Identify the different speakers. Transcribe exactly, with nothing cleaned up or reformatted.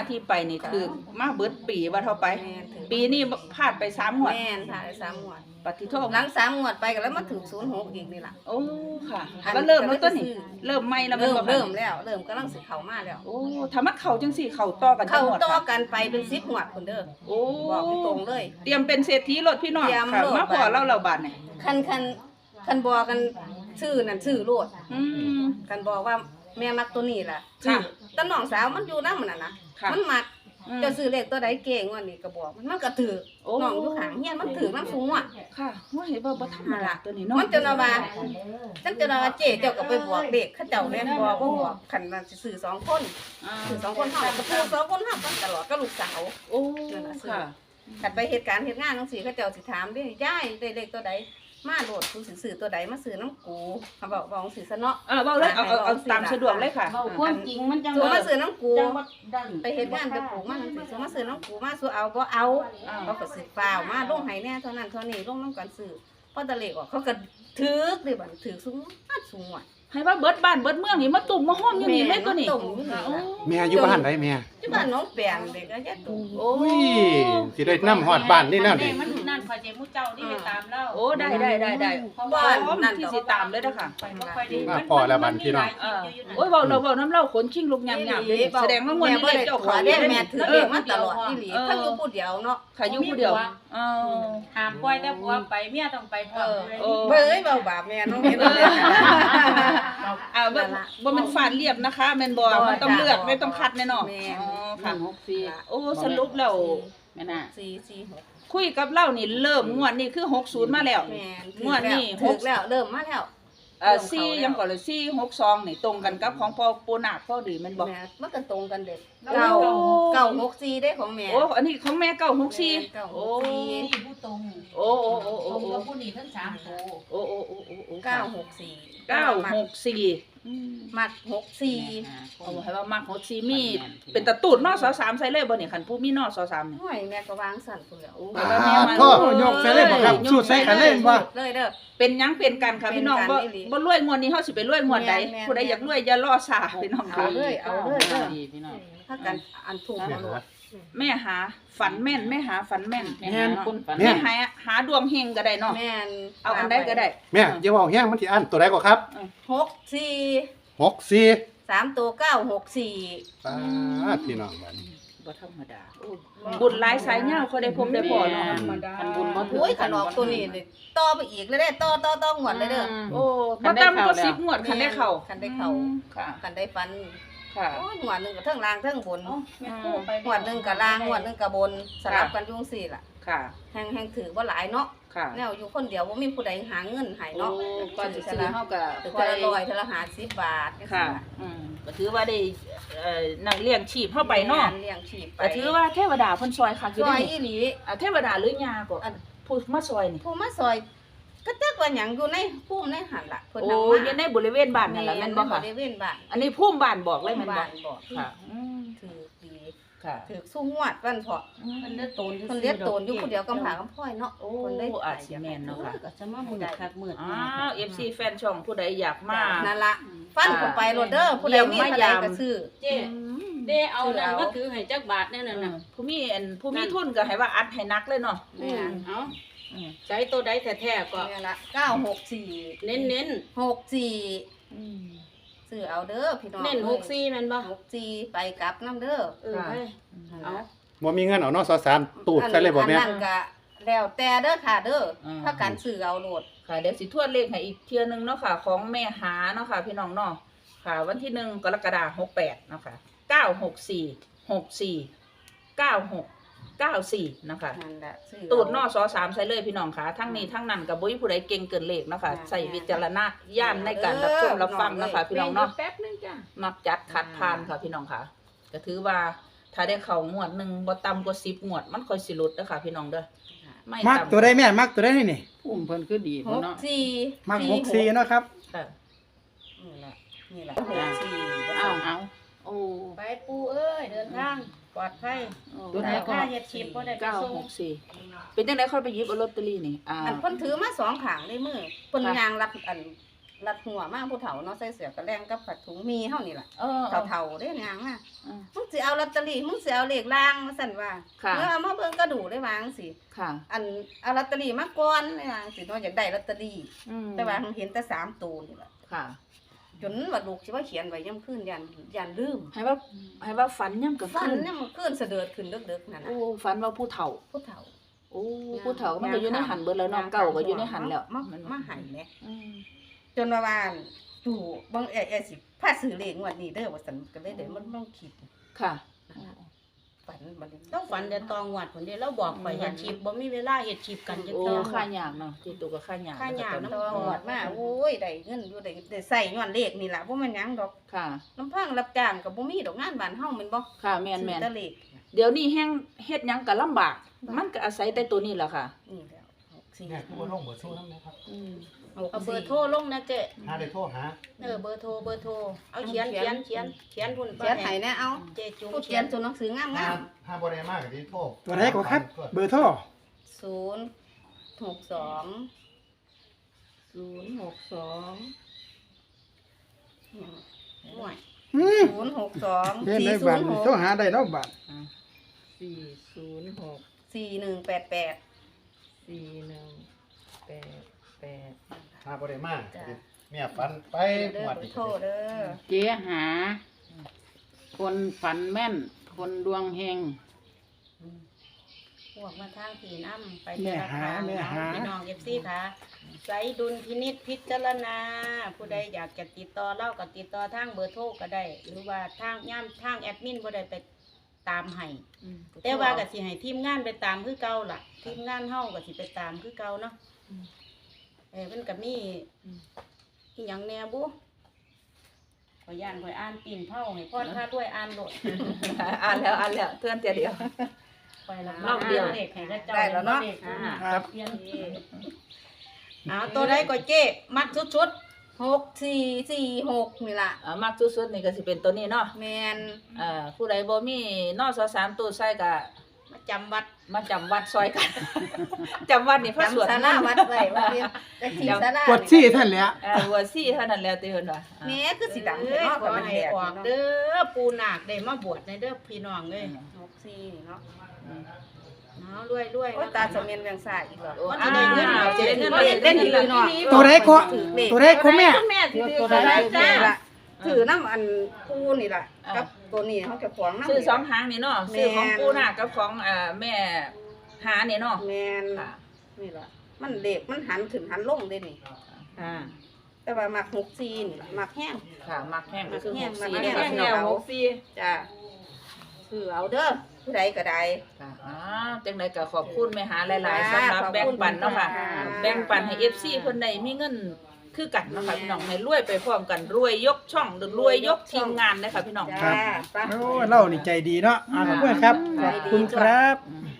Speaker 1: ที่ไปนี่คือมาเบิดปีว่าเท่าไป
Speaker 2: แม่นถึง
Speaker 1: ปีนี้พลาดไปสามงวด
Speaker 2: แม่นค่ะได้สามงวด
Speaker 1: ปฏิโทษ
Speaker 2: หลังสามงวดไปก็แล้วมาถึงศูนย์หกอีกนี่ล่ะ
Speaker 1: โอ้ค่ะ
Speaker 2: อัน
Speaker 1: ก็เริ่มแล้ว
Speaker 2: ก็
Speaker 1: ต้
Speaker 2: เลย
Speaker 1: นนี่
Speaker 2: ซื้อ
Speaker 1: เริ่มไม่แล้ว
Speaker 2: เริ่ม
Speaker 1: บ่คะ
Speaker 2: เริ่มแล้วเริ่มกำลังสิเข้ามาแล้ว
Speaker 1: โอ้ถ้ามันเข้าจังสี่เข้าต่อกันจั
Speaker 2: เข้าง
Speaker 1: หมด
Speaker 2: ต่อ
Speaker 1: ค่ะ
Speaker 2: กันไปเป็นสิบงวดพุ่นเด้อ
Speaker 1: โอ้
Speaker 2: บอกตรงๆเลย
Speaker 1: เตรียมเป็นเศรษฐีรถพี่น้อง
Speaker 2: เตรียม
Speaker 1: ค่ะ
Speaker 2: โลด
Speaker 1: มาพอเล่าเราบาดนี่
Speaker 2: คันคันคันบอกกันชื่อนั่นชื่อโลด
Speaker 1: อืม
Speaker 2: คันบอกว่าแม่มักตัวนี้ล่ะ
Speaker 1: ค่ะ
Speaker 2: แตาน้องสาวมันอยู่นำมันน่ะนะ
Speaker 1: ค่ะ
Speaker 2: มันมัก
Speaker 1: อืม
Speaker 2: จะซื้อเลขตัวใดเก่งว่านี่ก็บอกมันมันก็ถือ
Speaker 1: โอ้
Speaker 2: น้องอยู่ข้างเฮียนมันถือน้ำสูงอ่ะ
Speaker 1: ค่ะว่าเห็นว่าบ่ธรรมดาตัวนี้เนาะ
Speaker 2: มันจะนาว่าฉันจะนาว่าเจ๊เจ้าก็ไปบอกเด็กเขาเจ้าแม่นบอกบ่บอกคันว่าสิซื้อสองคน
Speaker 1: อ่า
Speaker 2: ซื้อสองคนเฮาก็ซื้อสองคนเฮากันตลอดก็ลูกสาว
Speaker 1: โอ้ค่ะ
Speaker 2: คันไปเหตุการณ์เฮ็ดงานจังซี่เขาเจ้าสิถามเด้ยายได้เลขตัวใดมาโลดกูสิซื้อตัวใดมาซื้อน้ำกูเขาบอกบอกจังซี่ซะเนาะ
Speaker 1: เออเว้าเลยเอาเอาเอาตามสะดวกเลยค่ะ
Speaker 3: เว้าความจริงมันจัง
Speaker 2: ซื้อมาซื้อน้ำกู
Speaker 3: จังว่าดัง
Speaker 2: ไปเฮ็ดงานไปปลูกมาจังซี่ซื้อมาซื้อน้ำกูมาซื้อเอาบ่เอา
Speaker 1: อ่า
Speaker 2: เขาก็สิฟ้าวมาลงให้แน่เท่านั้นเท่านี้ลงนำกันซื้อพอตะเลขออกเขาก็ถึกเลยบัดถึกสูงอัดสูงว่ะ
Speaker 1: ให้ว่าเบิดบ้านเบิดเมืองนี่มาตุ่มมาห้อมอยู่นี่เลยตัวนี้
Speaker 2: ตุ่มอยู่นี่ล่ะ
Speaker 1: โอ้
Speaker 4: แม่อยู่บ้านไหนแม่
Speaker 2: ที่บ้านน้องแปนเด็กก็ยะตุ่ม
Speaker 1: โอ้
Speaker 4: อุ้ยสิได้นำฮอดบ้านนี่แนวดิ
Speaker 3: มันนั่นคอยเจมุเจ้านี่ไปตามเล่า
Speaker 1: โอ้ได้ได้ได้ได้
Speaker 3: เพราะ
Speaker 1: พร้
Speaker 3: ว่า
Speaker 1: อมที่สิตามเลยเด้อค่ะ
Speaker 3: ไปบ่ค่อยได้
Speaker 4: ว่าพอแล้วบัดพี่น้อง
Speaker 1: เออโอ้ยเว้าเราเว้าน้ำเล่าขนชิงลุกยำๆเด้อแสดงว่างวดนี้เลขเจ้าของ
Speaker 2: แม่
Speaker 1: เด้
Speaker 2: แม่ถือเลขมาตลอดอีหลีทั้งอยู่ผู้เดียวเนาะ
Speaker 1: ค่ะอยู่ผู้เดียวเออ
Speaker 3: หามปล่อยแต่ผัวไปเมียต้องไปพร้อม
Speaker 1: โอ้
Speaker 2: เบ้ยเบาบาปแม่น้องเห็นเลย
Speaker 1: อ่าบ่บ่แม่นฟาดเรียบนะคะแม่นบ่มันต้องเลือกไม่ต้องคัดแน่เนาะ
Speaker 2: แม่
Speaker 1: อ๋อค่ะ
Speaker 3: หกสี่
Speaker 1: โอ้สรุปแล้ว
Speaker 3: แม่น่ะ
Speaker 2: สี่สี่หก
Speaker 1: คุยกับเรานี่เริ่มงวดนี้คือหกสิบมาแล้ว
Speaker 2: แม่
Speaker 1: งวดนี้ห
Speaker 2: ถู
Speaker 1: ก
Speaker 2: กแล้วเริ่มมาแล้ว
Speaker 1: เอ่อสี่ยังก่อนเลยสี่หกสองนี่ตรงกันกับของพ่อปูนาคพ่อดีแม่นบ่
Speaker 2: แม่มันก็ตรงกันเด็ก
Speaker 1: โอ้
Speaker 2: เก้าเก้าหกสี่ได้ของแม่
Speaker 1: โอ้อันนี้ของแม่เก้าหกสี่
Speaker 2: เก้าห
Speaker 1: โอ้
Speaker 2: กสี่
Speaker 3: นี่ผู้ตรง
Speaker 1: โอ้โอ้โอ้โอ้
Speaker 3: ตรง
Speaker 1: โอ้
Speaker 3: กับผู้นี้ทั้งสามโต
Speaker 1: โอ้โอ้โอ้โอ้โอ้
Speaker 2: เก้าหกสี่
Speaker 1: เก้าหกสี่อืม
Speaker 2: มักหกสี่
Speaker 1: เอาให้ว่ามักหกสี่มีเป็นตะตูดนอสอสามใส่เลยบ่นี่คันผู้มีนอสอสามนี่
Speaker 2: ห่วยแม่ก็วางสั่นพุ่นแล้ว
Speaker 1: แต่ว่าแม่มัน
Speaker 4: โทษยกใส่เลยบ่ครับสูตรใส่กันเลยบ่
Speaker 2: เลยเด้อ
Speaker 1: เป็นหยังเป็นกันค่ะพี่น้อง
Speaker 2: เป็นกั
Speaker 1: บ่
Speaker 2: นอีหลี
Speaker 1: บ่รวยงวดนี้เฮาสิไปรวยงวดใด
Speaker 2: แม่นๆ
Speaker 1: ผู้ใดอยากรวยอย่ารอช้าพี่น้อง
Speaker 2: เอา
Speaker 1: ค่ะ
Speaker 2: เลยเอาเลยเด้อ
Speaker 3: ดีพี่น้อง
Speaker 2: ถ้ากันอันถูกเอาโลด
Speaker 1: แม่หาฝันแม่นแม่หาฝันแม่น
Speaker 3: แม่นคุณฝัน
Speaker 1: แม่หาหาดวงเฮงก็ได้เนาะ
Speaker 2: แม่น
Speaker 1: เอาอันใดก็ได้
Speaker 4: แม่อย่าเว้าแฮงมันสิอันตัวใดก็ครับ
Speaker 2: หกสี่
Speaker 4: หกสี่
Speaker 2: สามตัวเก้าหกสี่
Speaker 4: สาธุพี่น้องบัดนี้
Speaker 1: บ่ธรรมดาโอ้บุญหลายสายยาวเขาได้พบได้พอเนาะ
Speaker 3: คันบุญบ่ถึง
Speaker 2: โอ้ยขนมตัวนี้เลยต่อไปอีกเลยเด้อต่อต่อต่อหมดเลยเด้อ
Speaker 1: โอ้บ่ต่ำกว่าสิบงวดคันได้เข้า
Speaker 2: คันได้เข้า
Speaker 1: อืมค่ะ
Speaker 2: กันได้ฟัน
Speaker 1: ค่ะ
Speaker 2: โอ้ยหวดหนึงก็เทิงล่างเทิงบน
Speaker 3: แม่คู่ไป
Speaker 2: หวดหนึงก็ล่างหวดหนึงก็บนสลับกันอยุ่จั่งสี่ล่ะ
Speaker 1: ค่ะ
Speaker 2: แฮงแฮงถือว่าหลายเนาะ
Speaker 1: ค่ะ
Speaker 2: แนวอยู่คนเดียวบ่มีผู้ใดหาเงินให้
Speaker 1: โอ้
Speaker 2: เนาะ
Speaker 1: ก่อนสิซื้อเฮาก็
Speaker 2: ถือ
Speaker 1: ค่
Speaker 2: เท
Speaker 1: อย
Speaker 2: ละร้อยเทละห้าสิบบาทจังซี้
Speaker 1: ค่ะ
Speaker 2: ล่ะ
Speaker 1: อืมก็ถือว่าได้เอ่อนั่งเลี้ยงชีพเฮาไปเนาะ
Speaker 2: เลี้ยงชีพไป
Speaker 1: ก็ถือว่าเทวดาเพิ่นซอยคักอ
Speaker 2: ซ
Speaker 1: ยู่
Speaker 2: อย
Speaker 1: นี่
Speaker 2: อีหลี
Speaker 1: อ่ะเทวดาหรือยาก็ผู้มาซอยนี่
Speaker 2: ผู้มาซอยก็จักว่าหยังอยู่ในภูมิในหันล่ะเพิ่น
Speaker 1: โอ้
Speaker 2: นำมา
Speaker 1: อยู่ในบริเวณบ้านนั่นล่ะแม่นบ่ค่ะ
Speaker 2: บริเวณบ้าน
Speaker 1: อันนี้ภูมิบ้านบอกเลยแม่นบ่
Speaker 2: บ้านบอก
Speaker 1: ค่ะอืม
Speaker 2: ถือดี
Speaker 1: ค่ะ
Speaker 2: ถือสู้งวดวันเพาะ
Speaker 3: มันเลือดโตน
Speaker 2: เพิ่นเลี้ยงโตนอยู่ผู้เดียวกำผากำพ้อยเนาะ
Speaker 1: โอ้
Speaker 2: เพิ่นได้
Speaker 1: อาจสิแม่นเนาะค่ะ
Speaker 3: ก็จะมามืดคักมืด
Speaker 1: อ้าว เอฟ ซี แฟนช่องผู้ใดอยากมา
Speaker 2: นั่นล่ะฟันเข้าไปโลดเด้อผู้ใดมีเท่าใดก็ซื้อ
Speaker 3: เจ๊เด้เอานั่นก็ถือให้จักบาทแน่นั่น
Speaker 1: อื
Speaker 3: น่ะ
Speaker 1: มผู้มีอันผู้มีทุนก็ให้ว่าอัดให้นักเลยเนาะ
Speaker 2: แม่น
Speaker 3: เอา
Speaker 1: อืม
Speaker 3: ใช้ตัวใดแท้ๆก็
Speaker 2: นี่ล่ะเก้าหกสี่
Speaker 3: เน้น
Speaker 2: หกสี่
Speaker 1: อืม
Speaker 2: ซื้อเอาเด้อพี่น้อง
Speaker 3: ๆเน้นหกสี่แม่นบ่
Speaker 2: หกสี่ไปกลับนำเด้อ
Speaker 3: เออให้เอา
Speaker 4: บ่มีเงินเอาเนาะสอสามตูดใส่เลยบ่แม่
Speaker 2: อันนั้นก็แล้วแต่เด้อค่ะเด้ออ
Speaker 1: ม
Speaker 2: ถ้าการซื้อเอาโลด
Speaker 1: ค่ะเดี๋ยวสิทวนเลขให้อีกเทื่อนึงเนาะค่ะ ของแม่หาเนาะค่ะ พี่น้องเนาะค่ะ วันที่หนึ่งกรกฎาคมหกแปดเนาะค่ะเก้าหกสี่หกสี่เก้าหกเก้าสี่เนาะค่ะ
Speaker 2: นั่นแหละซื้อ
Speaker 1: ตูดนอสอสามใส่เลยพี่น้องค่ะทั้งนี้ทั้งนั้นกับบุ้ยผู้ใดเก่งเกินเลขเนาะค่ะใส่วิจารณญาณในการรับชมรับฟังเนาะค่ะพี่น้องเนาะ
Speaker 3: แป๊บนึงจ้ะ
Speaker 1: มักจัดคัดทานค่ะพี่น้องค่ะก็ถือว่าถ้าได้เข้างวดหนึ่งบ่ต่ำกว่าสิบงวดมันค่อยสิหลุดเด้อค่ะพี่น้องเด้อไม่
Speaker 4: มัก
Speaker 1: ต่ำ
Speaker 4: ตัวใดแม่มักตัวใดนี่นี่
Speaker 3: พุ่มเพิ่นคือดี
Speaker 2: ห
Speaker 3: พุ่น
Speaker 2: ก
Speaker 3: เนาะ
Speaker 2: สี่
Speaker 4: มักหกสี่เนาะครับ
Speaker 1: ค่ะ
Speaker 2: นี่แหละนี่แหละหกสี่
Speaker 3: เอาเอาโอ้ไปปูเอ้ยเดินทางปลอดภัยตัวไหนค่าเฮ็ดชิปบ่ได้ไป
Speaker 1: เก้า
Speaker 3: ส่ง
Speaker 1: หกสี่เป็นจังได๋ค่อยไปหยิบเอาลอตเตอรี่นี่อ่า
Speaker 2: อันเพิ่นถือมาสองขางในมือเพิ่น
Speaker 1: ค่ะ
Speaker 2: ยางรับอันรัดหัวมาผู้เฒ่าเนาะใส่เสื้อกระแลงกับผัดถุงมีเฮานี่ล่ะ
Speaker 1: เออ
Speaker 2: เฒ่าๆเด้นางมา
Speaker 1: เออ
Speaker 2: มึงสิเอาลอตเตอรี่มึงสิเอาเลขล่างมาสั่นว่า
Speaker 1: ค่ะ
Speaker 2: เออเอามาเบิ่งกระดูได้วาจังสิ
Speaker 1: ค่ะ
Speaker 2: อันเอาลอตเตอรี่มาก่อนได้วาจังสิเนาะอยากได้ลอตเตอรี่
Speaker 1: อืม
Speaker 2: แต่ว่าเห็นแต่สามตัวนี่ล่ะ
Speaker 1: ค่ะ
Speaker 2: จนว่าลูกสิว่าเขียนไว้ย่ำคืนยันยันลืม
Speaker 1: ให้ว่าให้ว่าฝันย่ำกับ
Speaker 2: ฝัน
Speaker 1: ขึ้น
Speaker 2: เนี่ยมันคืนเสด็จขึ้นดึกๆนั่นน่ะ
Speaker 1: โอ้ฝันว่าผู้เฒ่า
Speaker 2: ผู้เฒ่า
Speaker 1: โอ้ผู้เฒ่ามันก็อยู่ในหันเบิดแล้วเน้องเก่าก็อยู่ในหันแล้ว
Speaker 2: มา
Speaker 1: มัน
Speaker 2: มาใหายแหม
Speaker 1: อืม
Speaker 2: จนว่าว่าตู่บางเอเอสิพาซื้อเลขงวดนี้เด้อว่าซั่นก็เลยได้มันต้องคิด
Speaker 1: ค่ะ
Speaker 2: ฝันบัดนี้
Speaker 3: ต้องฝันแต่ตองหวัดผลเดียวเราบอกไปเฮ็ดชีพบ่มีเวลาเฮ็ดชีพกันจัก
Speaker 1: โอ้
Speaker 3: เทื่อ
Speaker 1: ค่ายากเนาะที่ตัวก็ค่ายาก
Speaker 3: ค่ายาก
Speaker 2: ตองหวดมาโอ้ยได้เงินอยู่ได้ได้ใส่ย้อนเลขนี่ล่ะบ่แม่นหยังดอก
Speaker 1: ค่ะ
Speaker 2: น้ำพังรับจ้างก็บ่มีดอกงานบ้านเฮาแม่นบ่
Speaker 1: ค่ะแม่นแม่น
Speaker 2: ซื้อแต่เลข
Speaker 1: เดี๋ยวนี้แห้งเฮ็ดหยังก็ลำบาก มันก็อาศัยแต่ตัวนี้แหละค่ะ
Speaker 2: นี่แล้วหกสี่
Speaker 4: เนี่ยคือบ่ลงเบอร์โทรนำนะครับ
Speaker 1: อืม
Speaker 2: หก
Speaker 3: เอาเบอ
Speaker 2: สี่
Speaker 3: ร์โทรลงนะเจ๊
Speaker 4: หาได้โทรหา
Speaker 3: เออเบอร์โทรเบอร์โทรเอาเขียนเขียนเขียนเขียนพุ่น
Speaker 2: เขียนให้แน่เอา
Speaker 3: เจ๊จุ๋ม
Speaker 2: ผู้
Speaker 3: เขี
Speaker 2: เขี
Speaker 3: ย
Speaker 2: ย
Speaker 3: น
Speaker 2: นตัวหนังสืองาม
Speaker 4: หาหาบ่ได้มากก็สิโทรตัวไหนก็ครับ เบอร์โทร
Speaker 2: ๆศูนย์หกสอง
Speaker 3: ศูนย์หกสอง
Speaker 2: ห่วย
Speaker 4: อืม
Speaker 2: ศูนย์หกสอง
Speaker 4: เห็น
Speaker 2: สี่
Speaker 4: ได้
Speaker 2: ศู
Speaker 4: บัด
Speaker 2: นย์ห
Speaker 4: นี้
Speaker 2: ก
Speaker 4: โทรหาได้เนาะบัด
Speaker 3: สี่ศูนย์หก
Speaker 2: สี่หนึ่งแปดแปด
Speaker 3: สี่หนึ่งแปดแปด
Speaker 4: หาบ่ได้มาก
Speaker 2: จ้ะ
Speaker 4: แม่ฝันไป
Speaker 2: เด้
Speaker 4: ง
Speaker 2: อ
Speaker 4: วด
Speaker 2: เบอ
Speaker 4: นี้
Speaker 2: ร์โทรเด้อ
Speaker 5: เจ๊หา คนฝันแม่น คนดวงเฮง
Speaker 3: พวกมาทางผีน้ำไป
Speaker 4: แม่
Speaker 3: ธนา
Speaker 4: หา
Speaker 3: คาร
Speaker 4: แม่หา
Speaker 3: พี่น้องเอฟซีค่ะใส่ดุลพินิษพิจารณา ผู้ใดอยากจะติดต่อเล่าก็ติดต่อทางเบอร์โทรก็ได้ หรือว่าทางย่ามทางแอดมินบ่ได้ไปตามให้
Speaker 1: อืม
Speaker 3: แต่ว่าก็สิให้ทีมงานไปตามคือเก่าล่ะ ทีมงานเฮาก็สิไปตามคือเก่าเนาะเออมันก็มีอีหยังแหน่บุขอยย่านขอยอ่านปีนเผาให้พ่อถ้าด้วยอ่านโลด
Speaker 1: อ่านแล้วอ่านแล้วเตือนเตียเดียว
Speaker 3: ไปละ
Speaker 1: รอบเดียว
Speaker 3: เด็กให้กระเจ้า
Speaker 2: ได้แล้วเนาะ
Speaker 3: ด็กอ่า
Speaker 4: ครับ
Speaker 3: เปลี่ยนเอาตัวใดก็เจ๊มัดชุด
Speaker 2: หกสี่สี่หกนี่ล่ะ
Speaker 1: อ่ามากสุดๆนี่ก็สิเป็นตัวนี้เนาะ
Speaker 2: แมน
Speaker 1: อ่าผู้ใดบ่มีนอสอสามตัวใส่ก็
Speaker 3: ๆมาจำวัด
Speaker 1: มาจำวัดซอยกัน จำวัดนี่พระสวด
Speaker 2: จำศาลาวัดไว้ว่าเรียนแต่สี่ศาลาก
Speaker 4: ดซี่ท่านแหละ
Speaker 1: เออหัวซี่เท่านั้นแล้วติเพิ่นว่าอ่า
Speaker 2: แม่คือสีดำ
Speaker 3: เอ้ย
Speaker 2: เนาะ
Speaker 3: ข
Speaker 2: กับ
Speaker 3: อ
Speaker 2: มัน
Speaker 3: ให้
Speaker 2: แดด
Speaker 3: ออกเด้อปูนาคได้มาบวชในเด้อพี่น้องเอ้ย
Speaker 2: หกสี่เนาะ
Speaker 3: เอารวยรวย
Speaker 2: โอ้ยตาสมเมียนเวียงสายอีกเหรอ
Speaker 1: โอ้
Speaker 3: มัน
Speaker 1: อ่า
Speaker 3: จะได้เงินเอา
Speaker 1: จะได้เงิน
Speaker 3: มาเล่นเล่นอีกเลยเนาะ
Speaker 4: ตัวไหนก็ตัวไหนก็แม่
Speaker 1: แม่สิถือ
Speaker 2: ตัว
Speaker 1: ตัว
Speaker 2: ใด
Speaker 1: ใด
Speaker 2: จ้า
Speaker 1: จ้า
Speaker 2: ถือน้ำอันปูนี่ล่ะ
Speaker 1: อ่ากั
Speaker 2: กับตัวนี้เขาจะขวางน้ำ
Speaker 1: ซื้อสองหางนี่เนาะซื้อของปู่นาคกับของอ่าแม่หานี่เนาะ
Speaker 2: แมน
Speaker 1: ค่ะ
Speaker 2: นี่ล่ะมันเด็กมันหันขึ้นหันลงได้นี่
Speaker 1: อ่า
Speaker 2: แต่ว่ามักหกสี่นี่ล่ะมักแห้ง
Speaker 1: ค่ะมักแห้งก็คือ
Speaker 2: มักแห้
Speaker 1: ห
Speaker 2: ง
Speaker 1: กสี่
Speaker 2: มัก
Speaker 1: เนี่
Speaker 2: แห้
Speaker 1: ย
Speaker 2: ง
Speaker 1: แนวหกสี่
Speaker 2: จ้าคือเอาเด้อผู้ใดก็ได้
Speaker 1: ค่ะอ่าจังไดก็ขอบคุณแม่หาหลายๆสำหรับ
Speaker 2: ขอบคุณ
Speaker 1: แบ่งปันเนาะค่ะ
Speaker 2: ค่ะ
Speaker 1: แบ่งปันให้ เอฟ ซี เพิ่นได้มีเงินคือกันเนาะค่ะพี่น้องให้รวยไปพร้อมกันรวยยกช่องหรือรวยยกทีมงานเด้อค่ะพี่น้อง
Speaker 2: จ้าไป
Speaker 4: โอ้เล่านี่ใจดีเนาะอ่าขอบคุณครับ ขอบคุณครับ
Speaker 1: อืม